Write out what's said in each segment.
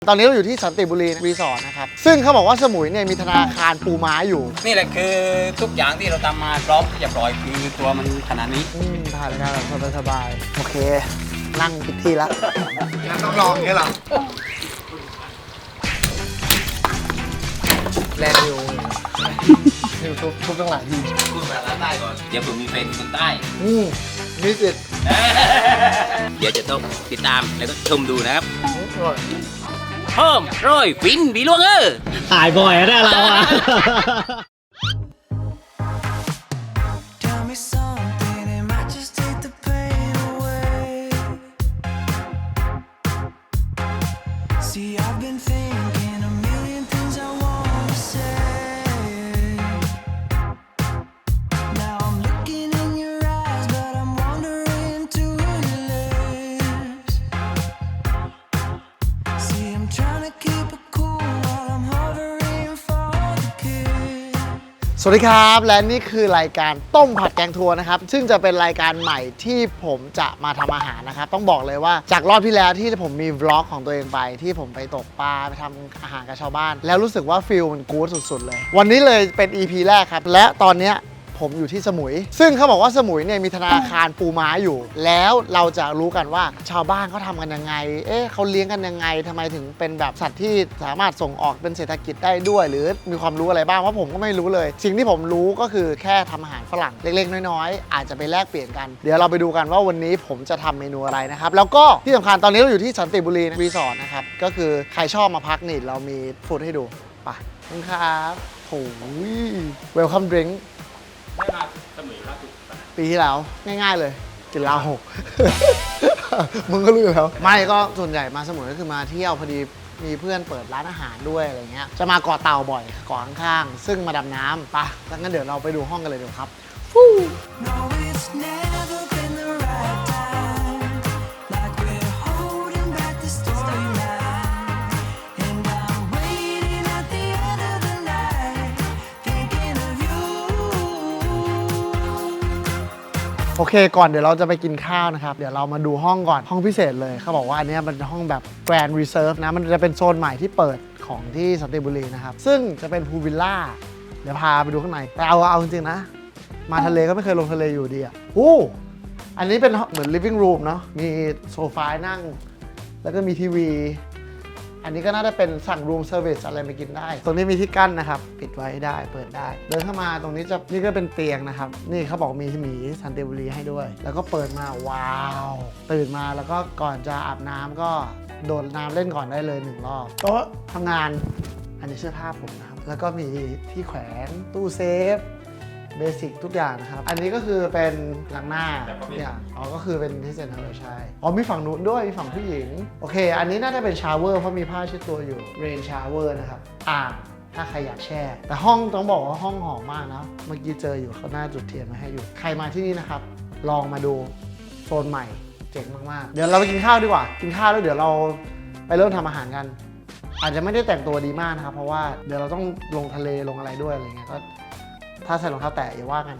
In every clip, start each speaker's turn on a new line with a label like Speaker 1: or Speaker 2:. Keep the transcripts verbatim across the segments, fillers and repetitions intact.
Speaker 1: ตอนนี้เราอยู่ที่สันติบุรีรีสอร์ทนะครับซึ่งเขาบอกว่าสมุยเนี่ยมีธนาคารปูม้าอยู่
Speaker 2: นี่แหละคือทุกอย่างที่เราทำมาพร้อมที่จะปล่อยคือตัวมันขนาดนี้
Speaker 1: อืมถ่ายรายการแบบสบายๆโอเคนั่งผิดที่แล้วงั้นต้องลองแค่หรอแลนด์วิวนิวทุบทุบตั้งหลายที
Speaker 2: พูดภาษาใต้ก่อนเดี๋ยวผมมีเป็นคนใต้
Speaker 1: อืมมีสิทธิ์
Speaker 2: เดี๋ยวจะต้องติดตามแล้วก็ชมดูนะครับเพิ่มร้อยฟินบีล่วงเออ
Speaker 3: ถ่ายบ่อยนะเราอะ
Speaker 1: สวัสดีครับและนี่คือรายการต้มผัดแกงทัวร์นะครับซึ่งจะเป็นรายการใหม่ที่ผมจะมาทำอาหารนะครับต้องบอกเลยว่าจากรอบที่แล้วที่ผมมีวล็อกของตัวเองไปที่ผมไปตกปลาไปทำอาหารกับชาวบ้านแล้วรู้สึกว่าฟิลมันกู๊ดสุดๆเลยวันนี้เลยเป็น อี พี แรกครับและตอนเนี้ยผมอยู่ที่สมุยซึ่งเขาบอกว่าสมุยเนี่ยมีธนาคารปูม้าอยู่แล้วเราจะรู้กันว่าชาวบ้านเขาทำกันยังไงเอ๊ะเขาเลี้ยงกันยังไงทำไมถึงเป็นแบบสัตว์ที่สามารถส่งออกเป็นเศรษฐกิจได้ด้วยหรือมีความรู้อะไรบ้างเพราะผมก็ไม่รู้เลยสิ่งที่ผมรู้ก็คือแค่ทำอาหารฝรั่งเล็กๆน้อยๆอาจจะไปแลกเปลี่ยนกันเดี๋ยวเราไปดูกันว่าวันนี้ผมจะทำเมนูอะไรนะครับแล้วก็ที่สำคัญตอนนี้เราอยู่ที่สันติบุรีรีสอร์ทนะครับก็คือใครชอบมาพักนี่เรามีฟู้ดให้ดูไปครับโอ้ยเวลคัมดริงก์
Speaker 2: ได้มาสมุยล่าสุด
Speaker 1: ปีที่แล้วง่ายๆเลยกินลาหก มึงก็รู้อยู่แล้วไม่ก็ส่วนใหญ่มาสมุยก็คือมาเที่ยวพอดีมีเพื่อนเปิดร้านอาหารด้วยอะไรเงี้ยจะมาเกาะเต่าบ่อยเกาะข้างๆซึ่งมาดำน้ำปะแล้วงั้นเดี๋ยวเราไปดูห้องกันเลยเดี๋ยวครับโอเคก่อนเดี๋ยวเราจะไปกินข้าวนะครับเดี๋ยวเรามาดูห้องก่อนห้องพิเศษเลยเขาบอกว่าอันนี้มันเป็นห้องแบบ Grand Reserve นะมันจะเป็นโซนใหม่ที่เปิดของที่สันติบุรีนะครับซึ่งจะเป็นพูลวิลล่าเดี๋ยวพาไปดูข้างในแต่เอาเอาจริงๆนะมาทะเลก็ไม่เคยลงทะเลอยู่ดีอ่ะโอ้อันนี้เป็นเหมือน living room เนาะมีโซฟานั่งแล้วก็มีทีวีอันนี้ก็น่าจะเป็นสั่ง room service อะไรไปกินได้ตรงนี้มีที่กั้นนะครับปิดไว้ได้เปิดได้เดินเข้ามาตรงนี้จะนี่ก็เป็นเตียงนะครับนี่เขาบอกมีหมีสันติบุรีให้ด้วยแล้วก็เปิดมาว้าวตื่นมาแล้วก็ก่อนจะอาบน้ำก็โดดน้ำเล่นก่อนได้เลยหนึ่งรอบโต๊ะทำงานอันนี้เสื้อผ้าผมนะครับแล้วก็มีที่แขวนตู้เซฟเบสิกทุกอย่างนะครับอันนี้ก็คือเป็นล้างหน้าทุกอย่างอ๋อก็คือเป็นที่เซ็นทรัลใช่อ๋อมีฝั่งนู้นด้วยมีฝั่งผู้หญิงโอเคอันนี้น่าจะเป็นชาวเวอร์เพราะมีผ้าเช็ดตัวอยู่เรนชาวเวอร์นะครับอ่างถ้าใครอยากแช่แต่ห้องต้องบอกว่าห้องหอมมากนะเมื่อกี้เจออยู่เขาหน้าจุดเทียนมาให้อยู่ใครมาที่นี่นะครับลองมาดูโซนใหม่เจ๋งมากๆเดี๋ยวเราไปกินข้าวดีกว่ากินข้าวแล้วเดี๋ยวเราไปเริ่มทำอาหารกันอาจจะไม่ได้แต่งตัวดีมากนะครับเพราะว่าเดี๋ยวเราต้องลงทะเลลงอะไรด้วยอะไรเงี้ยก็ถ้าใส่รองเท้าแตะอย่าว่ากัน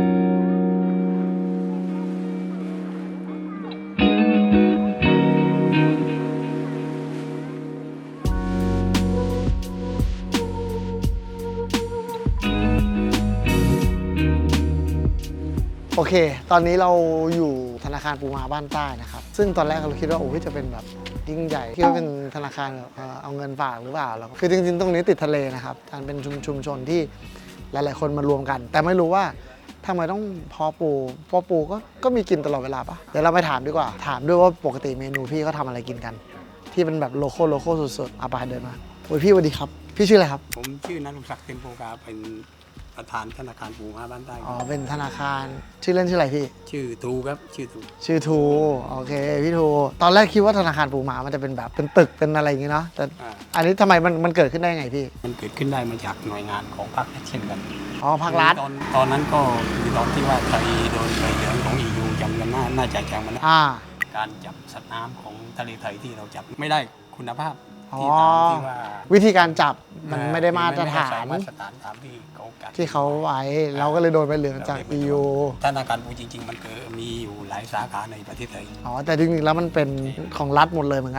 Speaker 1: โอเคตอนนี้เราอยู่ธนาคารปูม้าบ้านใต้นะครับซึ่งตอนแรกเราคิดว่าโอ้ยจะเป็นแบบยิ่งใหญ่คิดว่าเป็นธนาคารแบบเอาเงินฝากหรือเปล่าแล้วคือจริงๆตรงนี้ติดทะเลนะครับการเป็นชุมชนที่หลายๆคนมารวมกันแต่ไม่รู้ว่าทำไมต้องเพาะปูเพาะปูก็ก็มีกินตลอดเวลาปะเดี๋ยวเราไปถามดีกว่าถามด้วยว่าปกติเมนูพี่เขาทำอะไรกินกันที่เป็นแบบโลโก้โลโก้สุดๆอาปาเดินมาโอ้ยพี่สวัสดีครับพี่ชื่ออะไรครับ
Speaker 2: ผมชื่อนันทศักดิ์เต็มโพกาเป็นประธานธนาคารปูม้าบ้านใต้
Speaker 1: อ๋อเป็นธนาคารชื่อเล่นชื่ออะไรพี่
Speaker 2: ชื่อทูครับชื่อทู
Speaker 1: ชื่อทูโอเคพี่ทูตอนแรกคิดว่าธนาคารปูม้ามันจะเป็นแบบเป็นตึกเป็นอะไรอย่างงี้เนาะแต่อันนี้ทำไมมันมันเกิดขึ้นได้ไงพี่
Speaker 2: มันเกิดขึ้นได้มาจากหน่วยงานของพรรคเช่นกัน
Speaker 1: อ๋อภาครัฐ
Speaker 2: ตอนตอนนั้นก็คือตอนที่ว่าไทยโดนใบเหลืองของ อี ยู จำกันน่าน่าจะจำมันนะการจับสัตว์น้ำของทะเลไทยที่เราจับไม่ได้คุณภาพที่ตามที่ว่า
Speaker 1: วิธีการจับมันไม่ได้มาตรฐาน
Speaker 2: มาตรฐานตามที่เขา
Speaker 1: ที่เขาไว้เราก็เลยโดนใบเหลืองจาก อี ยู
Speaker 2: ธนาคารปูจริงๆมันคือมีอยู่หลายสาขาในประเทศไทย
Speaker 1: อ๋อแต่จริงๆแล้วมันเป็นของรัฐหมดเลยเหมือนกัน
Speaker 2: ใ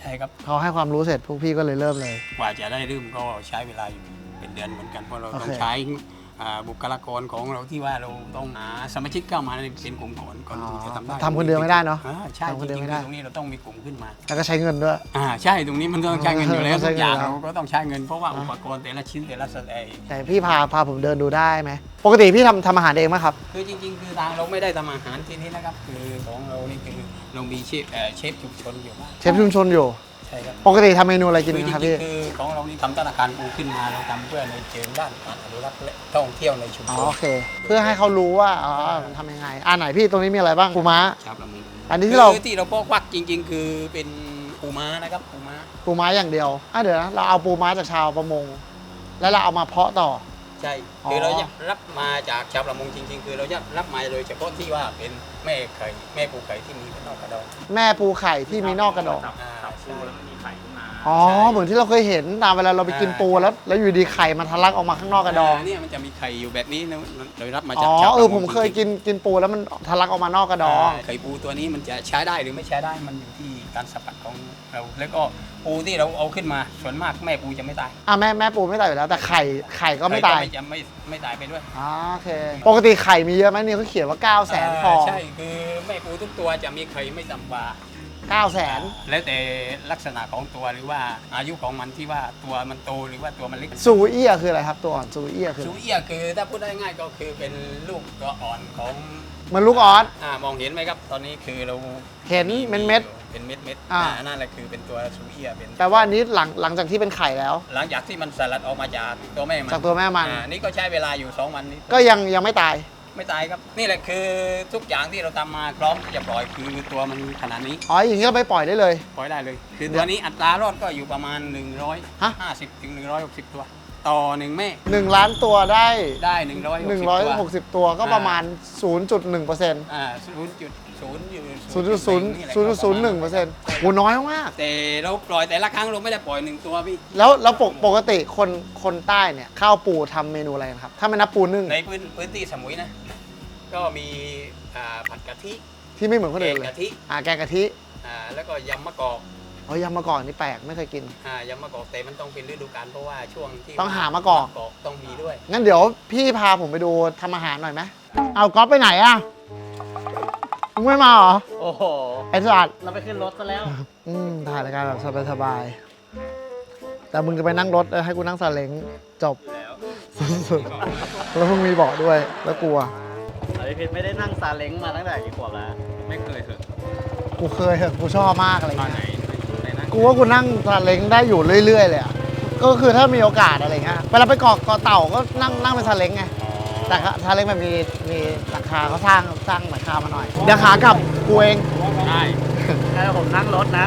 Speaker 2: ช่ครับ
Speaker 1: เขาให้ความรู้เสร็จพวกพี่ก็เลยเริ่มเลย
Speaker 2: กว่าจะได้เริ่มก็ใช้เวลาอยู่เป็นเดือนเหมือนกันเพราะเรา
Speaker 1: โอเค
Speaker 2: ต้องใช้อ่าบุคลากรของเราที่ว่าเราต้องหาสมาชิกเข้ามาในเป็นกลุ่มก่อนก่อนที่จะทำได้
Speaker 1: ทำคนเดียวไม่ได้เนาะ
Speaker 2: อ่าใช่
Speaker 1: ทำคน
Speaker 2: จ
Speaker 1: เดียว
Speaker 2: ริง
Speaker 1: ไม่
Speaker 2: ๆ
Speaker 1: ได้
Speaker 2: ตรงนี้เราต้องมีกลุ่มขึ้นมา
Speaker 1: แล้วก็ใช้เงินด้วย
Speaker 2: อ่าใช่ตรงนี้มันต้องใช้เงินอยู่แล้ว
Speaker 1: ต้องใช้
Speaker 2: ทุกอย่าง
Speaker 1: เงินแล้ว
Speaker 2: เราก็ต้องใช้เงินเพราะว่าอุปกรณ์แต่ละชิ้นแต่ละสเตย์
Speaker 1: แต่พี่พาพาผมเดินดูได้ไหมปกติพี่ทำทำอาหารเองไหมครับ
Speaker 2: คือจริงๆ คือทางเราไม่ได้ทำอาหารที่นี้นะครับคือของเรานี่คือเรามีเชฟเอ่อเชฟชุมชนอยู่บ้าง
Speaker 1: เชฟชุมชนอยู่
Speaker 2: ใช่ครับ
Speaker 1: ปกติทำเมนูอะไรกิน
Speaker 2: คือจ
Speaker 1: ครับ
Speaker 2: ริ
Speaker 1: พี่
Speaker 2: งๆคือของเรานี่ทำธนาคารปูขึ้นมาเราทำเพื่อในเชิงด้านการอนุรักษ์และท่องเที่ยวในชุม
Speaker 1: อ๋อ
Speaker 2: ชน
Speaker 1: โอเค เพื่อให้เขารู้ว่าอ๋อมันทำยังไงอ่าไหนพี่ตรงนี้มีอะไรบ้างปูม้า
Speaker 2: ชาวประมง
Speaker 1: อันนี้ที่เรา
Speaker 2: คือที่เราพอกวักจริง ๆ คือเป็นปูม้านะครับปูม้า
Speaker 1: ปูม้าอย่างเดียวอ่ะเดี๋ยวนะเราเอาปูม้าจากชาวประมง แล้วเราเอามาเพาะต่อ
Speaker 2: ใช่
Speaker 1: อ๋อ
Speaker 2: คือเราจะรับมาจากชาวประมงจริง ๆ คือเราจะรับมาโดยเฉพาะที่ว่าเป็นแม่ไข่แม่ปูไข่ที่มีเป็นนอกกระดอง
Speaker 1: แม่ปูไข่ที่มีนอกกระดอง
Speaker 2: อ่าใช่
Speaker 1: อ๋อ เหมือนที่เราเคยเห็นตามเวลาเราไปกินปูแล้ว แล้วอยู่ดีไข่มันทะลักออกมาข้างนอกกระดอง
Speaker 2: าเนี่ยมันจะมีไข่อยู่แบบนี้นะเรารับมา
Speaker 1: อ๋
Speaker 2: จาก
Speaker 1: อ
Speaker 2: ชาว
Speaker 1: เอ
Speaker 2: ประ
Speaker 1: อ
Speaker 2: มง
Speaker 1: ผมเคยกินกินปูแล้วมันทะลักออกมานอกกระดอง
Speaker 2: าไข่ปูตัวนี้มันจะใช้ได้หรือไม่ใช้ได้มันอยู่ที่การสัมผัสของเราแล้วก็ปูที่เราเอาขึ้นมาส่วนมากแม่ปูจะไม่ตาย
Speaker 1: อ่ะแม่แม่ปูไม่ตายอยู่แล้ว แต่ไข่ไข่ก็ไม่ตาย
Speaker 2: ไข่จะไม่ไม่ตายไปด้วย
Speaker 1: อ๋อโอเค ปกติไข่มีเยอะไหมนี่เขาเขียนว่า9 0 0 0 0 0ฟอง
Speaker 2: ใช่คือแม่ปูทุกตัวจะมีไข่ไม่ต่ำกว่า
Speaker 1: 9 0 0 0 0 0
Speaker 2: แล้วแต่ลักษณะของตัวหรือว่าอายุของมันที่ว่าตัวมันโตหรือว่าตัวมันเล็ก
Speaker 1: ซูเอียคืออะไรครับตัวอ่อนซูเอียคือ
Speaker 2: ซูเอียคือถ้าพูดได้ง่ายก็คือเป็นลูกตัวอ่อนของ
Speaker 1: มันลูกออส
Speaker 2: อ่ามองเห็นไหมครับ ตอนนี้คือเรา
Speaker 1: เห็นเม็ดเม็ด
Speaker 2: เป็นเม็ดเม็ด
Speaker 1: อ่า
Speaker 2: อ่านั่นแหละคือเป็นตัวซูเอียเป็น
Speaker 1: แปลว่าอันนี้หลังหลังจากที่เป็นไข่แล้ว
Speaker 2: หลังจากที่มันสลัดออกมาจากตัวแม่มัน
Speaker 1: จากตัวแม่มัน
Speaker 2: อ่านี่ก็ใช้เวลาอยู่สองวันนี้
Speaker 1: ก็ยังยังไม่ตาย
Speaker 2: ไม่ตายครับ นี่แหละคือทุกอย่างที่เราทำมาพร้อมที่จะปล่อยคือตัวมันขนาดนี้
Speaker 1: อ๋ออย่างนี้เราไปปล่อยได้เลย
Speaker 2: ปล่อยได้เลย คือตัวนี้อัตรารอดก็อยู่ประมาณ
Speaker 1: ฮะ
Speaker 2: หนึ่งร้อยห้าสิบถึงหนึ่งร้อยหกสิบตัว ต่อหนึ่งแม่
Speaker 1: 1 ล้านตัวได้
Speaker 2: ได้หนึ่งร้อยหกสิบตัว
Speaker 1: หนึ่งร้อยหกสิบตัวก็ประมาณ ศูนย์จุดหนึ่งเปอร์เซ็นต์
Speaker 2: อ่าศูนย์จุดศูนย์อยู่
Speaker 1: ศูนย์จุดศูนย์
Speaker 2: นี่แหละ
Speaker 1: ศูนย์จุดศูนย์หนึ่งเปอร์เซ็นต์โหน้อยมาก
Speaker 2: แต่เราปล่อยแต่ละครั้งเราไม่ได้ปล่อยหนึ่งตัวพี่
Speaker 1: แล้วแล้วปกปกติคนคนใต้เนี่ยข้าวปูทำเมนูอะไรกันครับ ถ้าไม่นับปูนึ่ง
Speaker 2: ในพื้นพื้นที่สมุยนะ ก็มีอ่าผัดกะทิ
Speaker 1: ที่ไม่เหมือนคน
Speaker 2: แก
Speaker 1: อื่
Speaker 2: ง
Speaker 1: นเลย
Speaker 2: กะทิ
Speaker 1: อ่าแกงกะทิ
Speaker 2: อ่าแล้วก็ยำมะกอก
Speaker 1: อ๋อยำมะกอกนี่แปลกไม่เคยกิน
Speaker 2: อ่ายำมะกอกแต่มันต้องเป็นฤดูกาลเพราะว่าช่วงที่
Speaker 1: ต้องหามะกอก
Speaker 2: ต้องมีด้วย
Speaker 1: งั้นเดี๋ยวพี่พาผมไปดูทำอาหารหน่อยไหมเอาก๊อฟไปไหนอะมึงไม่มาเหรอ
Speaker 3: โอ้โห
Speaker 1: ไอ้สัตว์
Speaker 3: เราไปขึ้นรถซะแล้ว
Speaker 1: อืมถ่ายรายการแบบสบายๆแต่มึงจะไปนั่งรถเออให้กูนั่งซาเล้งจบ
Speaker 2: แล้ว
Speaker 1: สุดๆแล้วมึงมีเบาะด้วยแล้วกลัว
Speaker 3: อภิพิษไม่ได้นั่งซาเล้งมาตั้งแต่กี่ขวบแล้ว
Speaker 2: ไม่เคยเถอะ
Speaker 1: กูเคยเหอะกูชอบมากอะไร
Speaker 2: ตอนไหน
Speaker 1: เงี้ย
Speaker 2: ไหนนั่ง
Speaker 1: กูว่ากูนั่งซาเล้งได้อยู่เรื่อยๆเลยอ่ะก็คือถ้ามีโอกาสอะไรเงี้ยเวลาไปเกาะเกาะเต่าก็นั่งนั่งเป็นซาเล้งไงแต่ซาเล้งมันมีมีหลังคาเขาสร้างสร้างหลังคามาหน่อยเดี๋ยวขากลับกูเอง
Speaker 2: ใช่
Speaker 3: ให้ผมนั่งรถนะ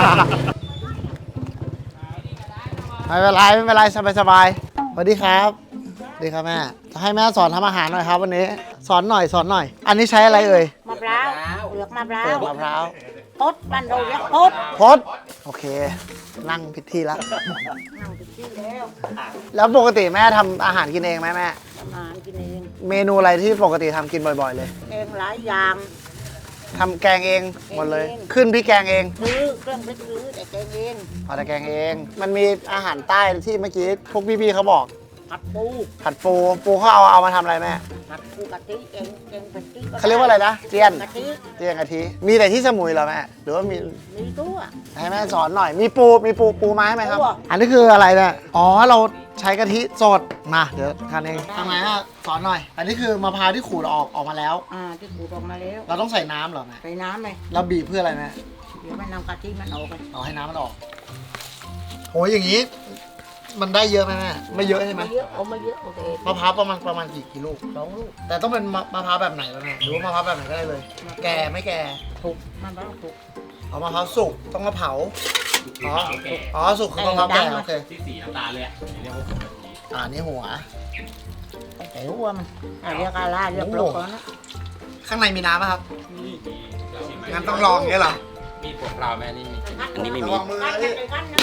Speaker 1: ไม่เป็นไรไม่เป็นไรสบายสบายๆสวัสดีครับสวัสดีครับแม่จะให้แม่สอนทำอาหารหน่อยครับวันนี้สอนหน่อยสอนหน่อย อันนี้ใช้อะไรเอ่ย
Speaker 4: มะพร้าวเปลือกมะพร้า
Speaker 1: เปลือ
Speaker 4: ว
Speaker 1: กมะพร้าว
Speaker 4: พดบ้านเราเรียกพด
Speaker 1: พดโอเค นั่งผิดที่แล้ว
Speaker 4: นั่งติดที่แล้ว
Speaker 1: แล้วปกติแม่ทำอาหารกินเองไหมแม่
Speaker 4: ทำอาหารกินเอง
Speaker 1: เมนูอะไรที่ปกติทำกินบ่อยๆเลย
Speaker 4: เองหลายอย่าง
Speaker 1: ทำแกงเองหมดเลย
Speaker 4: เอง
Speaker 1: ขึ้นพริกแกงเอง
Speaker 4: ซื้อเครื่องพริกซื้อแต่แกงเอง
Speaker 1: พอแต่แกงเอง มันมีอาหารใต้ที่เมื่อกี้พวกพี่ๆเขาบอก
Speaker 4: ผัดปู
Speaker 1: ผัดปูปูเขาเอาเอามาทำอะไรแม่
Speaker 4: ผัดปูกะทิเองเองเป็นที่
Speaker 1: เขาเรียกว่าอะไรนะเจียน
Speaker 4: กะทิ
Speaker 1: เจียนกะทิมีแต่ที่สมุยเหรอแม่หรือว่ามี
Speaker 4: มีตัว
Speaker 1: ให้แม่สอนหน่อย มีปู มีปู ปูมาให้ไหมครับ
Speaker 4: ปูอะ
Speaker 1: อันนี้คืออะไรเนี่ย อ๋อ เราใช้กะทิสด มา เดี๋ยวทานเองทำไงฮะสอนหน่อย อันนี้คือมะพร้าวที่ขูดออกออกมาแล้ว
Speaker 4: อ่าที่ขูดออกมาแล้ว
Speaker 1: เราต้องใส่น้ำเหรอแม่
Speaker 4: ใส่น้ำไหม
Speaker 1: เราบีบเพื่ออะไรแม่
Speaker 4: เดี๋ยวมันนำกะทิมันออกไป
Speaker 1: เอาให้น้ำมันออกโหอย่างนี้ มันได้เยอะไหมแม่ ไม่เยอะใช่ไหม
Speaker 4: ไม่เยอะเอาไม่เยอะโอเค
Speaker 1: มะพร้าวประมาณประมาณกี่กิโล
Speaker 4: สองลูก
Speaker 1: แต่ต้องเป็นมะมะพร้าวแบบไหนวะแม่หรือว่ามะพร้าวแบบไหนก็ได้เลย แก่ไม่แก่
Speaker 4: ถูกมันต้องถูก
Speaker 1: เอามะพร้าวสุกต้องมาเผา อ๋อ อ๋อ สุกคือมะพร้าวแก่โอเค
Speaker 2: ที่สีน้ำตาลเลยอะเรียกว่าผมแบบนี้
Speaker 1: อ่านี่หัว
Speaker 4: แต่รู้ว่ามันอ่ะเรียกอะไรเรียกปลอกก่อนนะ
Speaker 1: ข้างในมีน้ำป่ะครับ
Speaker 2: นี่มี
Speaker 1: งั้นต้องลองอย่างเงี้ยเหรอ
Speaker 2: มีพวกเราแม่นี่มีอันนี้ไม่มี
Speaker 1: ระวังมือนะพี่
Speaker 4: ไปกันนะ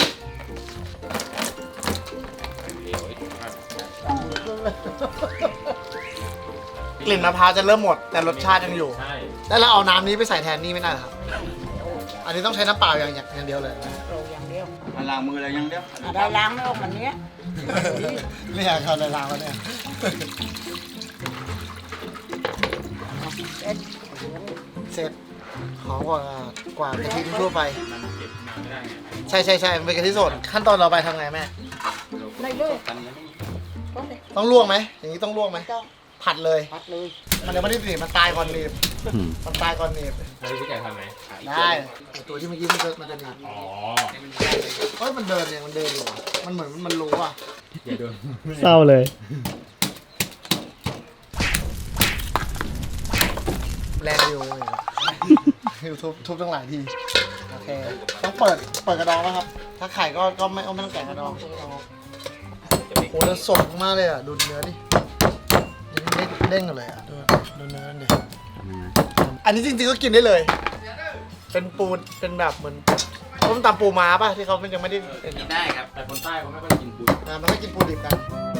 Speaker 2: เดี๋ยว
Speaker 1: กลิ่นมะพร้าวจะเริ่มหมดแต่รสชาติยังอยู่
Speaker 2: ใช่
Speaker 1: แล้วเราเอาน้ำนี้ไปใส่แทนนี่ไม่ได้เหรอครับ อันนี้ต้องใช้น้ำเปล่าอย่างอย่างเดียวเลย
Speaker 4: เรา
Speaker 5: ล้างมืออะไรยังเดียว
Speaker 4: อ่ะได้ล้างไม่ออกวันเนี้ย
Speaker 1: เนี่ยเขาในร้านแล้วเนี่ย
Speaker 4: เอ็ด
Speaker 1: เสร็จหอมกว่ากว่ากะทิทั่วไปใช่ใช่ใช่มันเป็นกะทิสดขั้นตอนต่อไปทำไงแม่
Speaker 4: ได้เลยก็เลย
Speaker 1: ต้องลวกไหมอย่างนี้ต้องลวกไหม
Speaker 4: ต้อง
Speaker 1: ผัดเลย
Speaker 4: พัดเลย
Speaker 1: มันยังไม่ได้หนีบมันตายก่อนหนีบมันตายก่อนหนีบ
Speaker 6: แล้วพี่แกทำไหม
Speaker 1: ได้ไอตัวที่เมื่อกี้มันจะมันจะหนีบ
Speaker 6: อ๋อ
Speaker 1: เฮ้ยมันเดินเนี่ยมันเดินอยู่อะมันเหมือนมันรู้อ่ะ
Speaker 6: อย่าโดน
Speaker 3: เศร้าเลย
Speaker 1: แรงอยู่อยู่ทุบทุบตั้งหลายทีโอเคต้องเปิดเปิดกระดองป่ะครับ ถ้าไข่ก็ก็ไม่ไม่ต้องแกะกระดองโอ้โหแล้วสดมากเลยอ่ะดูเนื้อดิเด้งเด้งกันเลยอ่ะดูดูเนื้อดิอันนี้จริงๆก็กินได้เลย เป็นปูเป็นแบบเหมือนต้มตำปูม้าป่ะที่เขามันยังไม่ได้เป็น
Speaker 2: กินได้ครับ
Speaker 6: แต่คนใต้เขาไม่ค่อยกินปู
Speaker 1: นะมันไม่กินปูดิบกัน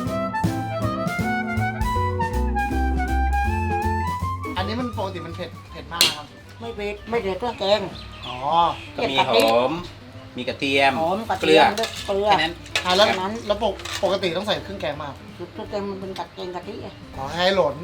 Speaker 1: อันนี้มันปกติมันเผ็ดเผ็ดมากนะครับ
Speaker 4: ไม่เผ็ดไม่เผ็ดเครื่องแกง
Speaker 1: อ๋อ
Speaker 2: ก็มีหอม มีกระเทียม
Speaker 4: หอมกระ
Speaker 2: เก
Speaker 4: เที
Speaker 2: ลื
Speaker 4: ย
Speaker 2: อ
Speaker 4: มด้วยเกลือ
Speaker 2: แค่นั้น
Speaker 1: อ่าแล้ว
Speaker 4: แค่นั้น
Speaker 1: แล้วปกปกติต้องใส่เครื่องแกงมาก
Speaker 4: เครื่องแกงมันเป็นกระเทียมกะทิอ่ะ
Speaker 1: ขอให้หล่น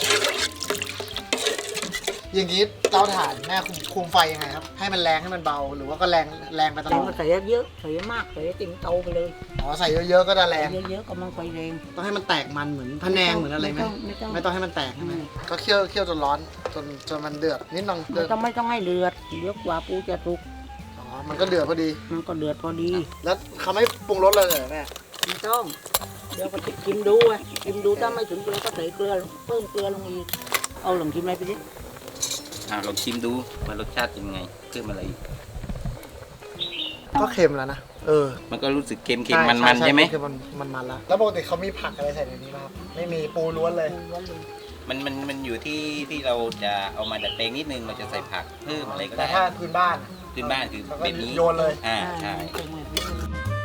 Speaker 1: อย่างนี้เตาถ่านแม่คุมคุมไฟยังไงครับ ให้มันแรงให้มันเบา หรือว่าก็แรงแรงไปตล
Speaker 4: เรา
Speaker 1: อด
Speaker 4: ใส่เยอะๆใส่มากใส่ติ่งโตไปเลย
Speaker 1: อ๋อใส่เยอะๆก็จะแรง
Speaker 4: เยอะๆก็มันไฟแรง
Speaker 1: ต้องให้มันแตกมันเหมือนพะแนงเหมือนอะไรไหม
Speaker 4: ไม่ต้องไม่ต้อง
Speaker 1: ไม่ต้องให้มันแตกใช่ไหม
Speaker 4: อืม
Speaker 1: ก็เคี่ยวเคี่ยวจนร้อนจนจนมันเดือดนิดนึงเดื
Speaker 4: ไม่
Speaker 1: อด
Speaker 4: ต้องไม่ต้องให้เดือดเดี๋ยวกว่าปูจะสุก
Speaker 1: อ๋อมันก็เดือดพอดี
Speaker 4: มันก็เดือดพอดี
Speaker 1: แล้วเขาไม่ปรุงรสเลยเหรอแม่
Speaker 4: ไม่ต้อง เดี๋ยวก็ชิมดูอ่ะชิมดูถ้าไม่ถึงเกลือก็ใส่เกลือลงเพิ่มเกลือลงอีกเอาลองชิมอะไรไปดิ
Speaker 2: อ่าลองชิมดูว่ารสชาติเป็นไงเพิ่มอะไรอีก
Speaker 1: ก็เค็มแล้วนะเออ
Speaker 2: มันก็รู้สึกเค็มๆมันๆใช่ไหม
Speaker 1: คือมันมันมันละแล้วปกติเขามีผักอะไรใส่ในนี้ไหมครับไม่มีปูล้วนเลย
Speaker 4: ปูล้วนเลย
Speaker 2: มันมันมันอยู่ที่ที่เราจะเอามาดัดแปลงนิดนึงเราจะใส่ผักเพิ่มอะไรก็
Speaker 1: แต่
Speaker 2: ได้
Speaker 1: ถ้าพื้นบ้าน
Speaker 2: ขึ้นบ้านคือ
Speaker 1: เขาก็
Speaker 2: แบบนี้
Speaker 1: โยนเลย
Speaker 2: อ่าใช่
Speaker 4: ใช่เหมือนกัน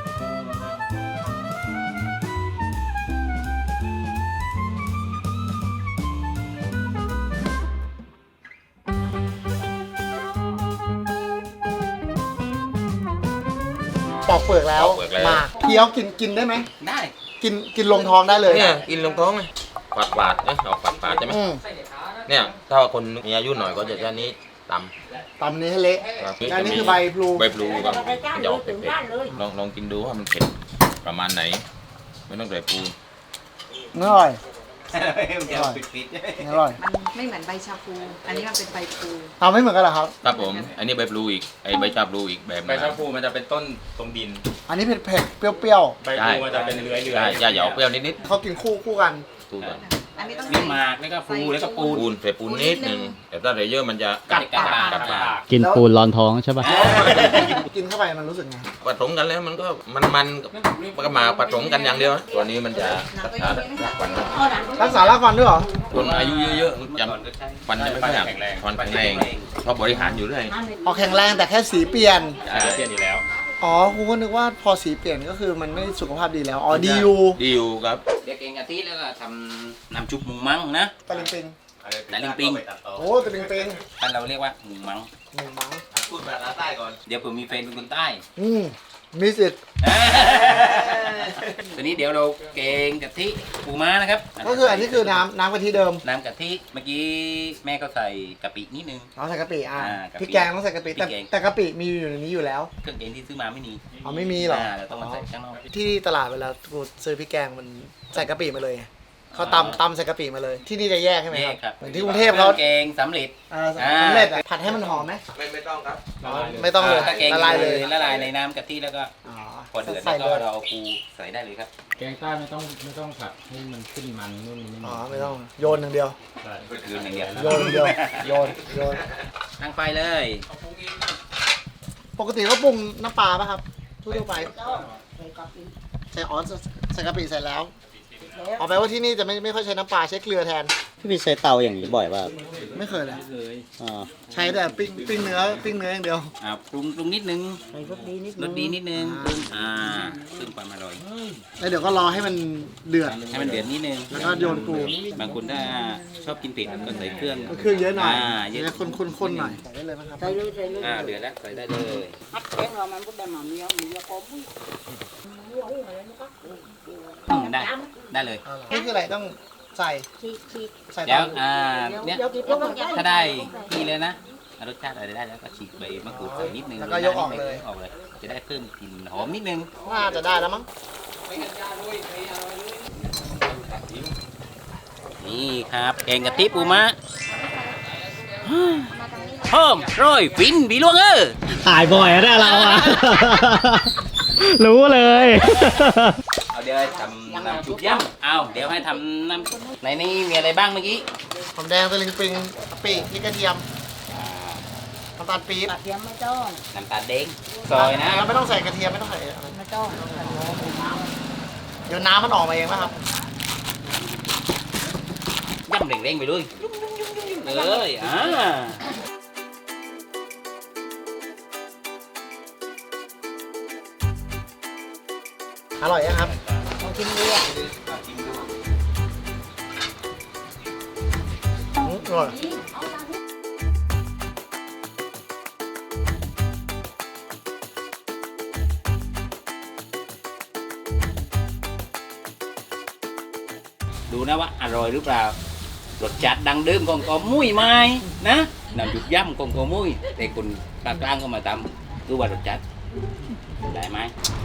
Speaker 1: ปอกเปลือกแล้ว
Speaker 5: ปอกเปลือกแล้ว
Speaker 1: มาเคี้ยวกินกินได้ไหม
Speaker 2: ได้
Speaker 1: กินกินลงท้องได้เลย
Speaker 5: เนี่ยกินลงท้องไหมปาดปาดๆนะออกปาดปาดๆใช่ไหม
Speaker 1: อืม
Speaker 5: เนี่ยถ้าว่าคนมีอายุหน่อยก็จะแค่นี้ต
Speaker 1: ตำนี้ให้เละ
Speaker 5: ำครับ
Speaker 1: อันนี้คือใบพลู
Speaker 5: ใบพลูครับ
Speaker 4: เอาไปก้าน
Speaker 5: ห
Speaker 4: เลย
Speaker 5: ยอก
Speaker 4: ถึง
Speaker 5: เผ็ด
Speaker 4: ก้านเลย
Speaker 5: ๆลองลองกินดูว่ามันเผ็ดประมาณไหน ไม่ต้องใส่ปู
Speaker 1: อร่อย
Speaker 2: มันจะเอาปิดๆ
Speaker 1: อร่อย
Speaker 7: มันไม่เหมือนใบชาพู อันนี้มันเป็นใบพลู
Speaker 1: ทำไม่เหมือนกันเหรอครับ
Speaker 5: ครับผม อันนี้ใบพลูอีกไอ้ใบชาพลูอีกแบบ
Speaker 6: ใบชาพูมันจะเป็นต้นตรงดิน
Speaker 1: อันนี้เผ็ดเผ็ดๆเปรี้ยว
Speaker 6: ใบพลูมันจะเป็นเลื้อยเลื้อ
Speaker 5: ใช่
Speaker 6: ย
Speaker 5: จะหยอกเปรี้ยวนิด
Speaker 1: ๆเขากินคู่คู่กัน
Speaker 5: ๆปูก่อน
Speaker 7: อันนี้ต้อง
Speaker 2: นี่หมากแล้วก็ปูแล้วก็ปูน
Speaker 5: ปูนใส่ปูนนิดนึงแต่ถ้าใส่เยอะมันจะ
Speaker 2: กัดปาก
Speaker 5: กัดปาก
Speaker 3: กินปูนร้อนท้องใช่ป่ะ
Speaker 1: กินเข้าไปมันรู้สึกไง
Speaker 5: ผสมกันแล้วมันก็มันมันๆกับมันก็มาผสมกันอย่างเดียวนะตัวนี้มันจะรักษารากฟัน
Speaker 4: เอาหนัง
Speaker 1: รักษารากฟันด้วยเหรอ
Speaker 5: คนอายุเยอะๆจะฟันจะไม่ค่อยหักฟันแข็งแรงเพราะบริหารอยู่เรื่อย
Speaker 1: ออกแข็งแรงแต่แค่สีเปลี่ยน
Speaker 6: ใช่เปลี่ยนอยู่แล้ว
Speaker 1: อ๋อกูก็นึกว่าพอสีเปลี่ยนก็คือมันไม่สุขภาพดีแล้ว อ๋อดียู
Speaker 5: ดีอยู่ครับ
Speaker 2: เดี๋ยวเกงกะทิแล้วก็ทำน้ำชุบหมูมังนะ
Speaker 1: ตะลิงปิง
Speaker 2: ตะลิงปิง
Speaker 1: โอ้ตะลิงปิง
Speaker 2: บ้านเราเรียกว่าหมูมัง
Speaker 1: หนึ่งมัง
Speaker 5: พูดภาษาใต้ก่อน
Speaker 2: เดี๋ยวผมมีแฟนเป็นคนใต้
Speaker 1: อืมมีสิทธิ์
Speaker 2: ตอนนี้เดี๋ยวเราเกงกะทิปูม้านะครับ
Speaker 1: ก็คืออันนี้คือน้ำน้ำกะทิเดิม
Speaker 2: น้ำกะทิเมื่อกี้แม่ก็ใส่กะปินิดนึง
Speaker 1: เราใส่กะปิอ่ะ
Speaker 2: อ่ากะปิ
Speaker 1: พริกแกงต้องใส่กะปิแต่
Speaker 2: พริกแกง
Speaker 1: แต่กะปิมีอยู่ในนี้อยู่แล้ว
Speaker 2: เครื่องแกงที่ซื้อมาไม่มี
Speaker 1: อ๋อไม่มีหรอ
Speaker 2: เราต้องมาใส่ข้างนอก
Speaker 1: ที่ตลาดเวลากูซื้อพริกแกงมันใส่กะปิมาเลยไงเขาตำตำใส่กะปิมาเลย ที่นี่จะแยกใช่ไหม
Speaker 2: แย
Speaker 1: ค
Speaker 2: กครั
Speaker 1: รับบ เหมือนที่กรุงเทพเขา
Speaker 2: แกงสำเร็จ
Speaker 1: เออสำเร็จอะผัดให้มันหอมไหม
Speaker 5: ไม่ไม่ต้องครับ
Speaker 1: อ๋อไม่ต้องเลย
Speaker 2: ถ้าแกง
Speaker 1: ละลายเลย
Speaker 2: ละลายในน้ำกะทิแล้วก็
Speaker 1: อ๋อ
Speaker 2: พอเดือด
Speaker 1: ใส่
Speaker 2: แล้ว
Speaker 1: เล
Speaker 2: ก็
Speaker 1: ย
Speaker 2: เราเอาปูใส่ได้เลยครับ
Speaker 6: แกงใต้ไม่ต้องไม่ต้องผัดให้มันขึ้นมันนู่นนี่
Speaker 1: อ๋อไม่ต้องโยนอย่างเดียว
Speaker 6: ใช่
Speaker 2: ยืนอย่างเดียว
Speaker 1: โยนอย่างเดียวโยนโยน
Speaker 2: ตั้งไฟเลย
Speaker 1: ปกติก็ปรุงน้ำปลาป่ะครับทั่วๆไป
Speaker 4: ใส่กะปิ
Speaker 1: ใส่อ๋อใส่กะปิใส่แล้ว
Speaker 4: แล้ว
Speaker 1: อ๋อแปลว่าที่นี่จะไม่ไม่ค่อยใช้น้ำปลาใช้เกลือแทน
Speaker 3: พี่พี่ใช้เตาอย่างนี้บ่อยป่ะ
Speaker 1: ไม่เคยเลย
Speaker 3: อ่า
Speaker 1: ใช้แต่ปิ้งปิ้งเนื้อปิ้งเนื้ออย่างเดียว
Speaker 2: อ่าปรุงปรุงนิดนึง
Speaker 4: ใส่รสดีนิด
Speaker 2: ร
Speaker 4: นึ
Speaker 2: ส
Speaker 4: ง
Speaker 2: ดีนิดนึงปรุงอ่าขึ้นไฟ
Speaker 5: ความอร่อย
Speaker 1: แล้วเดี๋ยวก็รอให้มันเดือด
Speaker 5: ให้มันเดือดนิดนึง
Speaker 1: แล้วก็โยนปู
Speaker 5: บางคนถ้าชอบกินเผ็ดก็ใส่เครื่อง
Speaker 1: เครื่องเยอะหน่อย
Speaker 5: อ่าเยอะ
Speaker 1: แล้วคนๆๆหน่อยใส่ได้เลยไหมครับ
Speaker 4: ใส่เลยใส่เลย
Speaker 5: อ่าเดือดแล้วใส่ได้เลย
Speaker 4: ฮักแกงเรามันก็ได้หมาเมียเมียก็มุ้ยเมียหุ้งอะไรนี่ก็
Speaker 5: อืมได้ได้เลย
Speaker 1: นี่คืออะไรต้องใส่
Speaker 4: ชีชี
Speaker 1: ใส่ต
Speaker 5: เดี๋ยว
Speaker 1: อน
Speaker 5: อ่า
Speaker 4: เดี๋ยว
Speaker 5: เนี่ย
Speaker 4: เดี๋ยวกินแล้วมันได้
Speaker 5: ถ้าได้ที่เลยนะรสชาติอะไรได้แล้วก็ฉีกใบมะกรูดใส่นิดนึง
Speaker 1: แล้วก็ยกออกเลย
Speaker 5: ออกเลย จะได้เพิ่มกลิ่นหอมนิดนึง
Speaker 1: น่าจะได้แล้วมั้ง
Speaker 5: นี่ครับแกงกะทิปูม้าเพิ่มร้อยฟินบีลวงเออ
Speaker 3: ถ่ายบ่อยอะเนี่ยเราอะ รู้เลย
Speaker 5: เอาเดี๋ยวให้ทำน้ำจุกย่ำเอาเดี๋ยวให้ทำน้ำในนี้มีอะไรบ้างเมื่อกี้
Speaker 1: หอมแดงตะลิงปิงกะปิพริกกระเทียมน้ำตาลปี๊บ
Speaker 4: กระเทียมไม่ต้อง
Speaker 5: น้ำตาลเด้งซอยนะ
Speaker 1: แล้วไม่ต้องใส่กระเทียมไม่ต้องใส่อะไร
Speaker 4: ไม่ต้อง
Speaker 1: เดี๋ยวน้ำมันออกมาเองนะครับ
Speaker 5: ย่ำเร่งๆไปเลยเลยอ่า
Speaker 1: อร่อยยังครับ
Speaker 4: ลองกินดูอ่ะ
Speaker 1: อืมอร่อย
Speaker 5: ดูนะว่าอร่อยหรือเปล่ารสจัดดังเดิมของกอมุ้ยไหมนะน้ำจุกย่ำของกอมุ้ยแต่คนภาคกลางก็มาทำดูว่ารสจัดได้ไหม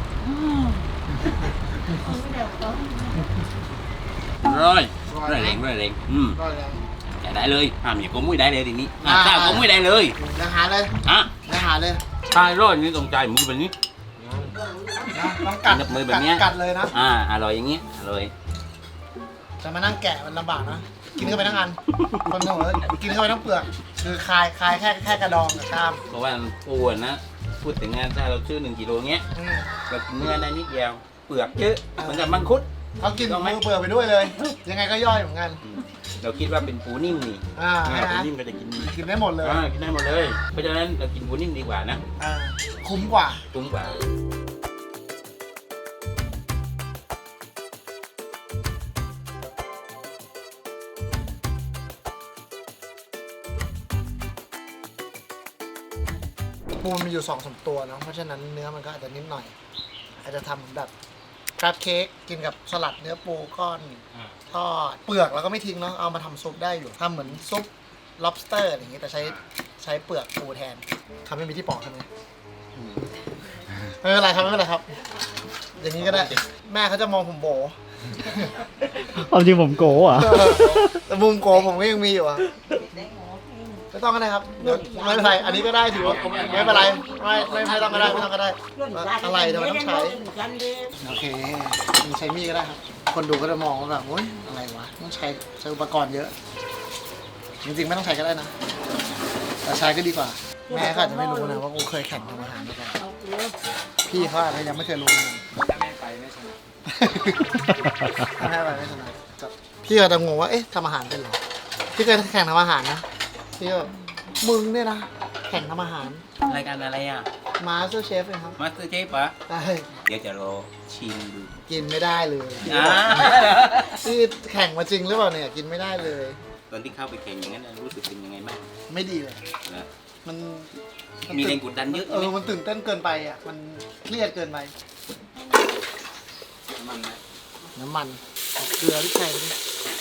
Speaker 5: ร้อยร้อยเร่งร้อยเร่งอืม
Speaker 1: อร่อยยัง
Speaker 5: จะได้เลยห้ามอย่างกอมุ้ยได้เลยทีนี้
Speaker 1: อ่า
Speaker 5: ห้ามเจ้ากอมุ้ยได้เลย
Speaker 1: เดี๋ยวหาเลย
Speaker 5: อ่ะ
Speaker 1: เดี๋ยวหาเลย
Speaker 5: ใช่ร้อยนี่ตรงใจมือแบบนี้
Speaker 1: นะต้องกัด
Speaker 5: นับมือแบบเนี้ย
Speaker 1: กัดเลยนะ
Speaker 5: อ่าอร่อยอย่างเงี้ยอร่อย
Speaker 1: จะมานั่งแกะมันลำบากนะ กินเข้าไปทั้งอัน คนเขาบอกว่ากินเข้าไปทั้งเปลือก คือคายคายแค่แค่กระดองกับกล้าม
Speaker 5: เพราะว่าปูอะนะพูดถึงงานถ้าเราซื้อหนึ่งกิโลเงี้ย
Speaker 1: อืม
Speaker 5: เรากินเนื้อได้นิดเดียวเปลือกเยอะเหมือนกับมังคุด
Speaker 1: เขากิน
Speaker 5: ต้องไหม
Speaker 1: มือเปลือกไปด้วยเลย ยังไงก็ย่อยเหมือนกัน
Speaker 5: อืมเราคิดว่าเป็นปูนิ่มนี่
Speaker 1: อ่า
Speaker 5: อ่า
Speaker 1: ใช่
Speaker 5: ปู
Speaker 1: ไหม
Speaker 5: นิ่มก็จะกิน
Speaker 1: กินได้หมดเลย
Speaker 5: อ่ากินได้หมดเลย เพราะฉะนั้นเรากินปูนิ่มดีกว่านะ
Speaker 1: อ่าคุ้มกว่า
Speaker 5: ตุ้มกว่า
Speaker 1: ปูมันมีอยู่สองสามตัวเนาะ เพราะฉะนั้นเนื้อมันก็อาจจะนิดหน่อย อาจจะทำเหมือนแบบคราฟเค้กกินกับสลัดเนื้อปูก้อนทอดเปลือกเราก็ไม่ทิ้งเนาะ เอามาทำซุปได้อยู่ทำเหมือนซุป lobster อย่างงี้แต่ใช้ใช้เปลือกปูแทนทำให้มีที่ปอกใช่ไหมไม่เป็นไรครับไม่เป็นไรครับ อย่างนี้ก็ได้ แม่เขาจะมองผมโบ
Speaker 3: ความจริงผมโก้อะ
Speaker 1: แต่มุมโกผมก็ยังมีอยู่อะไม่ต้องก็ได้ครับเดี๋ยวไม่เป็นไร อันนี้ก็ได้ถือว่าไม่เป็นไรไม่ไม่ไม่ต้องก็ได้ไม่ต้องก็ได้ อะไรทำไมต้องใช้ โอเคมีใช้มีดก็ได้ครับ คนดูก็จะมองว่าแบบโอ๊ยอะไรวะต้องใช้ใช้อุปกรณ์เยอะ จริงๆไม่ต้องใช้ก็ได้นะ แต่ใช้ก็ดีกว่า แม่เขาอาจจะไม่รู้นะว่ากูเคยแข่งทำอาหารมาก่อนพี่เขาอาจจะยังไม่เคยรู้เลยถ้าแม่ไปไม่ชนะถ้าแม่ไปไม่ชนะพี่ก็จะงงว่าเอ๊ะทำอาหารเป็นเหรอพี่เคยแข่งทำอาหารนะพี่ก็มึงเนี่ยนะแข่งทำอาหาร
Speaker 5: รายการอะไรอ่ะ
Speaker 1: มาสเตอร์เชฟเลยครับ
Speaker 5: มาสเตอร์เชฟปะ
Speaker 1: ใช่
Speaker 5: เดี๋ยวจะรอชิมดู
Speaker 1: กินไม่ได้เลย
Speaker 5: อ่า
Speaker 1: ที่แข่งมาจริงหรือเปล่าเนี่ยกินไม่ได้เลย
Speaker 5: ตอนที่เข้าไปแข่งอย่างนั้นรู้สึกเป็นยังไงบ้าง
Speaker 1: ไม่ดีเลย
Speaker 5: นะ
Speaker 1: มันน
Speaker 5: มีแรงกดดันเยอะ
Speaker 1: เอ
Speaker 5: ใช่ไหม
Speaker 1: อมันตื่นเต้นเกินไปอ่ะมันเครียดเกินไป
Speaker 5: มันนะ
Speaker 1: น้ำมันเกลือพริกไทยไปดิ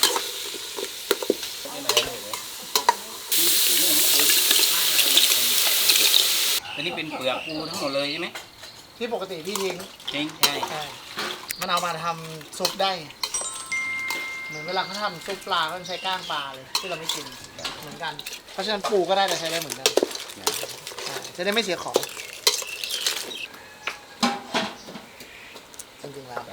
Speaker 5: อันนี้เป็นเปลือกปูทั้งหมดเลยใช่ไหม
Speaker 1: ที่ปกติพี่ทิ้ง
Speaker 5: จริงใช่
Speaker 1: ใช่มันเอามาทำซุปได้ เหมือนเวลาเขาทำซุปปลาเขาใช้ก้างปลาเลยที่เราไม่กินเหมือนกัน เพราะฉะนั้นปูก็ได้แต่ใช้ได้เหมือนกันใช่จะได้ไม่เสียของจริงๆแล้ว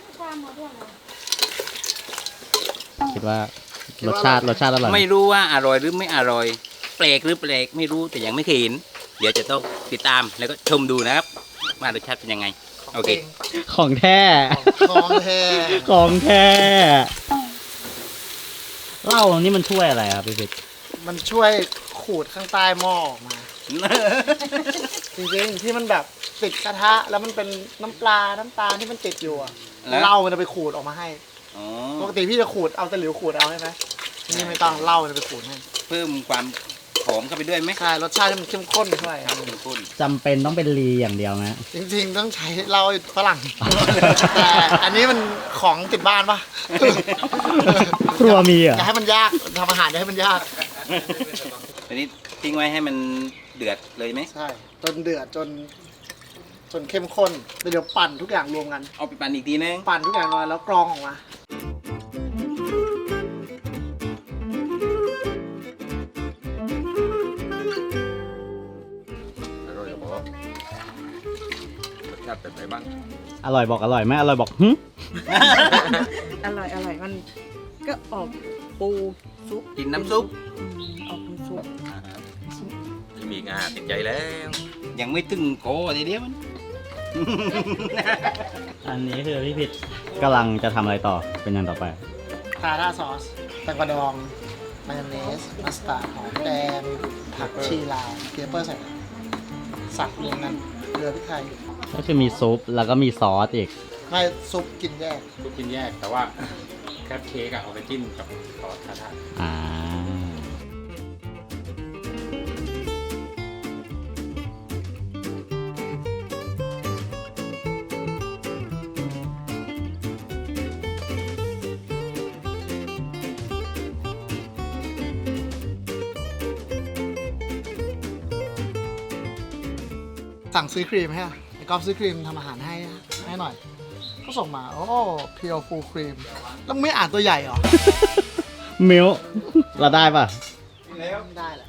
Speaker 3: คิดว่ารสชาติรสชาติอร่อย
Speaker 5: ไม่รู้ว่าอร่อยหรือไม่อร่อยแปลกหรือแปลกไม่รู้แต่ยังไม่เคยเห็นเดี๋ยวจะต้องติดตามแล้วก็ชมดูนะครับว่ารสชาติเป็นยังไง โอเค
Speaker 3: ของแท้
Speaker 1: ของแท้
Speaker 3: ของแท้เหล้านี่มันช่วยอะไรครับพี่พิษ
Speaker 1: มันช่วยขูดข้างใต้หม้อออกมา จริงๆที่มันแบบติดกระทะแล้วมันเป็นน้ำปลาน้ำตาลที่มันติดอยู่อะ
Speaker 5: แล้ว
Speaker 1: เหล้ามันจะไปขูดออกมาให้
Speaker 5: อ๋อ
Speaker 1: ปกติพี่จะขูดเอาตะหลิวขูดเอาใช่ไหมนี่ไม่ต้องเหล้ามันจะไปขูดให้
Speaker 5: เพิ่มความหอมเข้าไปด้วยไหม
Speaker 1: ใช่รสชาติให้มันเข้มข้นด้วย
Speaker 5: ครับเข้มข้น
Speaker 3: จำเป็นต้องเป็นลีอย่างเดียวไหม
Speaker 1: จริงๆต้องใช้เหล้าฝรั่ง แต่อันนี้มันของติดบ้านปะ
Speaker 3: ครัวมีเหร
Speaker 1: อ
Speaker 3: อ่ะ
Speaker 1: ย่าให้มันยากทำอาหารอย่าให้มันยาก
Speaker 5: อันนี้ทิ้งไว้ให้มันเดือดเลยไหม
Speaker 1: ใช่จนเดือดจน จนเข้มข้นแล้วเดี๋ยวปั่นทุกอย่างรวมกัน
Speaker 5: เอาไปปั่นอีกทีนึง
Speaker 1: ปั่นทุกอย่างรวมกันแล้วกรองออกมา
Speaker 6: อร่อยกับบอกรสชาติเป็นไงบ้าง
Speaker 3: อร่อยบอกอร่อยไหมอร่อยบอกหึ
Speaker 7: อร่อยอร่อยมันก็ออกปูซุป
Speaker 5: กินน้ำซุป
Speaker 7: อืมออกเป็นซุป
Speaker 6: ที่มีงาติดใจแล้ว
Speaker 5: ยังไม่ถึงโกทีเดียวมัน
Speaker 3: อันนี้คือพี่พิษกำลังจะทำอะไรต่อเป็นอย่างต่อไป
Speaker 1: ทาร่าซอสแตงกวาดองมายองเนสมัสตาร์ดหอมแดงผักชีลาวเกเปอร์ใส่สับรวมกันเกลือพริกไทย
Speaker 3: ก็คือมีซุปแล้วก็มีซอสอีก
Speaker 1: ให้ซุปกินแยก
Speaker 6: ลูกกินแยกแต่ว่าแคปเค้กอะเอาไปจิ้มกับซอสทาทา
Speaker 3: อ่า
Speaker 1: สั่งซื้อครีมให้อะไอ้กอล์ฟซื้อครีมทำอาหารให้อะให้หน่อยก็ส่งมา โอ้เพียวฟูครีมแล้วมึงไม่อ่านตัวใหญ่เหรอ
Speaker 3: มิวเราได้ป่ะ
Speaker 1: ไม่ได้แหละ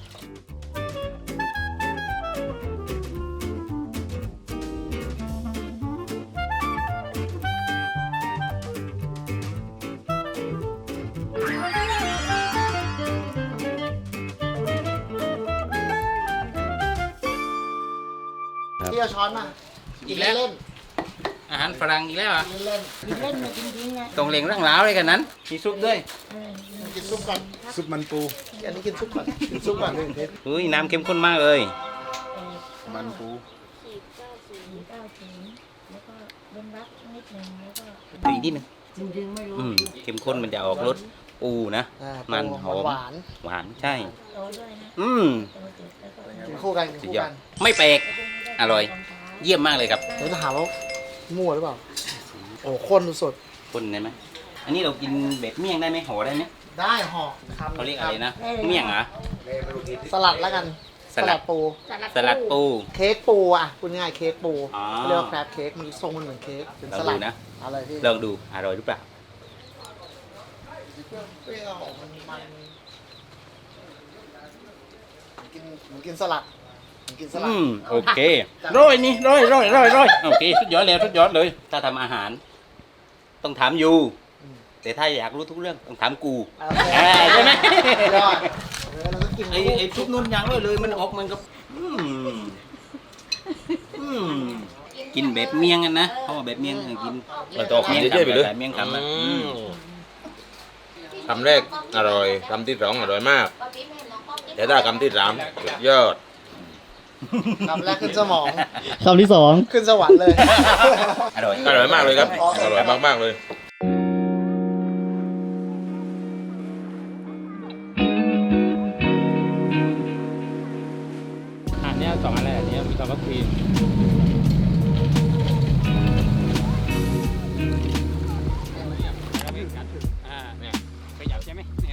Speaker 1: พี่เอาช้อนมา
Speaker 5: อีกแล้ว
Speaker 1: เล่น
Speaker 5: อาหารฝรั่งอีกแล้วเหรอ่ะ
Speaker 1: เล่น
Speaker 4: กินเล่นมาจริงๆไง
Speaker 5: ตรงเหลงร่างล้าวเลยกันนั้น มีซุปด้วย
Speaker 1: ๆกินซุปก่อน
Speaker 6: ซุปมันปู
Speaker 1: อันนี้กินซุปก่อนกินซุปก่อนเลยเพชร
Speaker 5: เฮ้ยน้ำเข้มข้นมากเลย
Speaker 6: มันปู
Speaker 4: สี่เก้าสี่เก้าถึงแล้วก็เว้นวักนิดนึงแล้วก็
Speaker 5: อีกนิดนึง
Speaker 4: จริงๆไม่รู้
Speaker 5: อืมเข้มข้นมันจะออกรสปูนะ
Speaker 1: อ่า
Speaker 5: มันหอม
Speaker 1: หวาน
Speaker 5: หวานใช่
Speaker 4: โตด้วยนะ
Speaker 5: อืม
Speaker 4: โตเจ็ดแล้วก็
Speaker 1: กินคู่กันกิน
Speaker 5: สุด
Speaker 1: คู่
Speaker 5: ยอ
Speaker 1: กั
Speaker 5: ด
Speaker 1: น
Speaker 5: ไม่แปลก อร่อย เยี่ยมมากเลยครับ
Speaker 1: เดี๋ยวจะหาว่ามั่วหรือเปล่า โอ้ข้นสุด
Speaker 5: คนได้ไหมอันนี้เรากินแบบเมี่ยงได้ไหมห่อได้ไหม
Speaker 1: ๆได้ห่อคำ
Speaker 5: เขาเรียกอะไรนะ เมี่ยงเหรอ
Speaker 1: สลัดแล้วกัน
Speaker 5: สลัด
Speaker 1: ปู
Speaker 5: สลัดปู
Speaker 1: เค้กปูอ่ะพูดง่ายๆเค้กปู
Speaker 5: อ๋อ
Speaker 1: เขาเรียกว่าแครบเค้กมันทรงมันเหมือนเค้กเป็นสลัด
Speaker 5: ลองดูนะ
Speaker 1: อะไรพี่
Speaker 5: ลองดู อร่อยหรือเปล่า
Speaker 1: เปรี้ยวมันมันกินเหมือนกินสลัดเหมือนกินสลัด
Speaker 5: อืม โอเคร้อยนี่ร้อยร้อยร้อยร้อยโอเค สุดยอดเลยสุดยอดเลย ถ้าทำอาหาร ต้องถามยู แต่ถ้าอยากรู้ทุกเรื่องต้องถามกู
Speaker 1: โอเค
Speaker 5: อ่าใช่ไหม
Speaker 1: ยอดเออเราก็กิน
Speaker 5: ไอ้ไอ้ทุกนุ่นยังเลยเลยมันออกมันก็อืมอืมกินแบบเมี่ยงกันนะเพราะว่าแบบเมี่ยงเออกิน
Speaker 6: มันต้องคำเยอะๆไปเลย
Speaker 5: เมี่ยงคำอ่ะอืม
Speaker 6: คำแรกอร่อยคำที่สองอร่อยมากแต่ถ้าคำที่สามสุดยอด
Speaker 1: คำแรกขึ้นสมอง
Speaker 3: คำที่สอง
Speaker 1: ขึ้นสวรรค์เลย
Speaker 5: อร่อย
Speaker 6: อร่อยมากเลยครับ อร่อยมากๆเลย อันนี้สองอันแรกอันนี้มีคำว่าครีม
Speaker 2: อ่าเนี่ยขยับใช่ไหมเนี่ย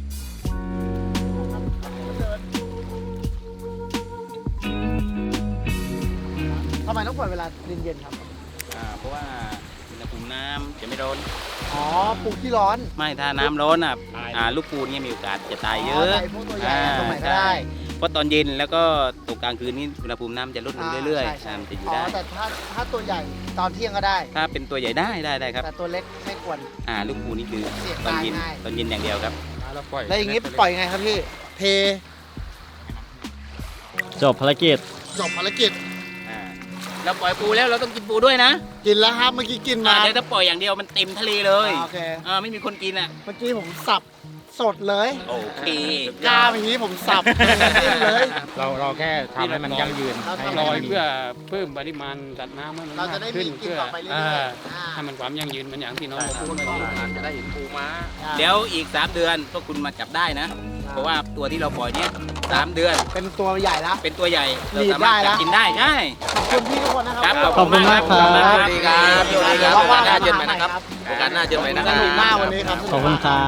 Speaker 1: ทำไมต้องเปิดเวลาเย็นๆครับ
Speaker 5: อ่าเพราะว่าอุณหภูมิน้ำจะไม่ร้อน
Speaker 1: อ๋อปูขี้ร้อน
Speaker 5: ไม่ถ้าน้ำร้อนอ่ะอ่าลูกปูเนี่ยมีโอกาสจะตายเยอะ
Speaker 1: อ๋อตายพวกตัวใหญ่อะตรงไหนก็ได้
Speaker 5: ใช่เพราะตอนเย็นแล้วก็ตกกลางคืนนี่อุณหภูมิน้ำจะลดลงเรื่อย
Speaker 1: ใช่
Speaker 5: ๆ
Speaker 1: ใช่
Speaker 5: อ่ามันจะอยู่
Speaker 1: อ๋อ
Speaker 5: ได้
Speaker 1: แต่ถ้าถ้าตัวใหญ่ตอนเที่ยงก็ได้
Speaker 5: ถ้าเป็นตัวใหญ่ได้ได้ได้ครับ
Speaker 1: แต่ตัวเล็กไม่ควร
Speaker 5: อ่าลูกปูนี่คือ
Speaker 1: เสี่ยง
Speaker 5: ตอนเย็น
Speaker 1: ตายง่าย
Speaker 5: ตอนเย็นอย่างเดียวครับ
Speaker 1: แล้วอย่างงี้ปล่อยไงครับพี่ เท
Speaker 3: จบภารกิจ
Speaker 1: จบภารกิจ
Speaker 5: อ่าเราปล่อยปูแล้วเราต้องกินปูด้วยนะ
Speaker 1: กินแล้วครับเมื่อกี้กิน
Speaker 5: อ่า
Speaker 1: มา
Speaker 5: เดี๋ยวถ้าปล่อยอย่างเดียวมันเต็มทะเลเลย
Speaker 1: โอเค
Speaker 5: อ่าไม่มีคนกินอ่ะ
Speaker 1: เมื่อกี้ผมสับสดเลย
Speaker 5: โอเค
Speaker 1: กล้ามอย่างนี้ผมสับเลย
Speaker 8: เราเราแค่ทำให้มันยั่งยืนให้
Speaker 2: ลอย
Speaker 8: มันมี
Speaker 2: เพื่อเพิ่มปริมาณสัตว์น้ำให้มัน
Speaker 1: เรา
Speaker 2: มา
Speaker 1: จะ
Speaker 2: ก
Speaker 1: ได้
Speaker 2: ขึ้น
Speaker 1: มีกิน
Speaker 2: เพื่อ
Speaker 1: ต่อไปเรื่อยๆ
Speaker 2: อ่า
Speaker 1: อ่า
Speaker 2: ให้มันความยั่งยืนเหมันอย่างที่น้องเราพูดเมื่อกี้
Speaker 8: จะได้เห็นปูม้า
Speaker 5: เดี๋ยวอีก 3 เดือนพวกคุณมาจับได้นะ เพราะว่าตัวที่เราปล่อยเนี่ยสามเดือน
Speaker 1: เป็นตัวใหญ่แล้ว
Speaker 5: เป็นตัวใหญ่เรา
Speaker 1: รีด
Speaker 5: สามารถ
Speaker 1: ได้
Speaker 5: จั
Speaker 1: ละ
Speaker 5: บกินได้ใช่
Speaker 1: ขอบคุณพี่ทุกคนนะค
Speaker 5: ค
Speaker 1: รั
Speaker 5: รับ
Speaker 1: บ
Speaker 5: ขอบคุณมากครับ
Speaker 6: สวัสดีครับสวัสดีครับ
Speaker 1: ว่าง
Speaker 6: โอกาสหน้า
Speaker 1: ๆ
Speaker 6: เจอกันใหม่นะครับ โอกาสหน้าเจอกันใหม่นะค
Speaker 1: ส
Speaker 6: รับ
Speaker 1: นุกมากวันนี้ครับ
Speaker 3: ขอบคุณครับ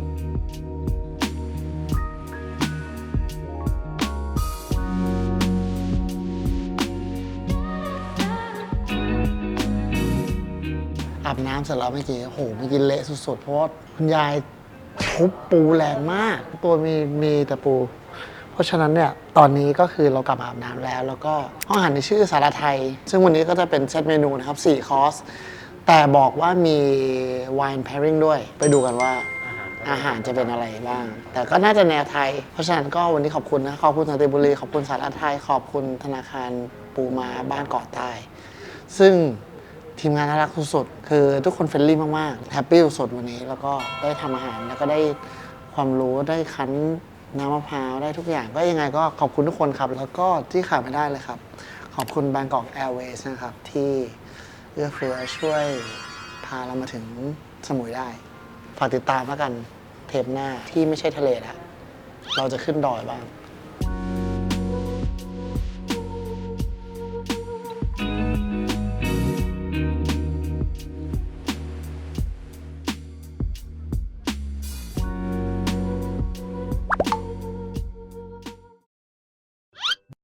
Speaker 1: อาบน้ำเสร็จแล้วเมื่อกี้โอ้โหเมื่อกี้เละสุดๆ เพราะว่าคุณยายทุบปูแรงมาก ตัวมีมีแต่ปู เพราะฉะนั้นเนี่ย ตอนนี้ก็คือเรากลับมาอาบน้ำแล้ว แล้วก็ห้องอาหารในชื่อสารไทย ซึ่งวันนี้ก็จะเป็นเซตเมนูนะครับสี่คอร์ส แต่บอกว่ามี wine pairing ด้วย ไปดูกันว่าอาหารจะเป็นอะไรบ้าง แต่ก็น่าจะแนวไทย เพราะฉะนั้นก็วันนี้ขอบคุณนะ ขอบคุณสันติบุรี ขอบคุณสารไทย ขอบคุณธนาคารปูมาบ้านเกาะใต้ ซึ่งทีมงานน่ารักสุดๆคือทุกคนเฟรนลี่มากๆ แฮปปี้สุดๆวันนี้ แล้วก็ได้ทำอาหาร แล้วก็ได้ความรู้ ได้คั้นน้ำมะพร้าว ได้ทุกอย่าง ก็ยังไงก็ขอบคุณทุกคนครับ แล้วก็ที่ขาดไม่ได้เลยครับ ขอบคุณ Bangkok Airways นะครับ ที่เอื้อเฟื้อช่วยพาเรามาถึงสมุยได้ ฝากติดตามแล้วกันเทปหน้าที่ไม่ใช่ทะเลแล้วเราจะขึ้นดอยบ้าง